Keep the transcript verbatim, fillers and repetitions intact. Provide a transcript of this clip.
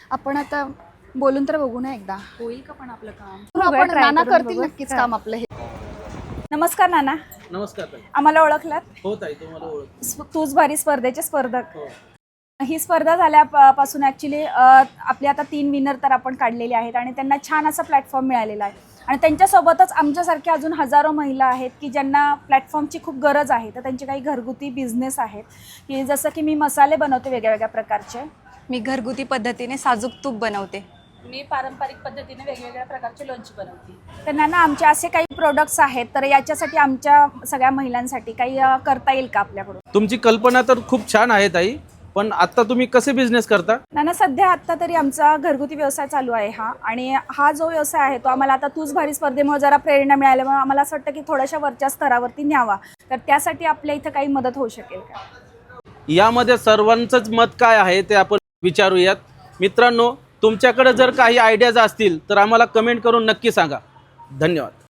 आपण आता बोलून तर बघू ना एकदा होईल का पण आपलं काम? आपण try नाना करून करतील बघू. नक्कीच काम आपलं हे. नमस्कार नाना, नमस्कार ताई. आम्हाला ओळखलात? हो ताई, तुम्हाला ओळख. स्प- तूच भारी स्पर्धेचे स्पर्धक. हो. ही स्पर्धा झाल्यापासून ॲक्च्युली आपली आता तीन विनर तर आपण काढलेले आहेत आणि त्यांना छान असा प्लॅटफॉर्म मिळालेला आहे आणि त्यांच्यासोबतच आमच्यासारख्या अजून हजारो महिला आहेत की ज्यांना प्लॅटफॉर्मची खूप गरज आहे. तर त्यांचे काही घरगुती बिझनेस आहेत की जसं की मी मसाले बनवते वेगळ्या वेगळ्या प्रकारचे, मी घरगुती पद्धतीने साजूक तूप बनवते. मी पारंपरिक पद्धतीने वेगवेगळ्या प्रकारचे लोणची बनवते. तर नाना आमचे असे काही प्रोडक्ट्स आहेत, तर याच्यासाठी आमच्या सगळ्या महिलांसाठी काही अ, करता येईल का आपल्याकडून? तुमची कल्पना तर खूप छान आहे ताई, पण आता तुम्ही कसे बिझनेस करता? नाना सध्या आत्ता तरी आमचा घरगुती व्यवसाय चालू आहे हा, आणि हा जो व्यवसाय आहे तो आम्हाला आता तूच भारी स्पर्धेमुळे जरा प्रेरणा मिळाल्यामुळे आम्हाला असं वाटतं की थोड्याशा वरच्या स्तरावरती न्यावा. तर त्यासाठी आपल्या इथं काही मदत होऊ शकेल का? यामध्ये सर्वांचंच मत काय आहे ते आपण विचारूयात. मित्रांनो, तुमच्याकडे जर काही आयडियाज असतील तर आम्हाला कमेंट करून नक्की सांगा. धन्यवाद.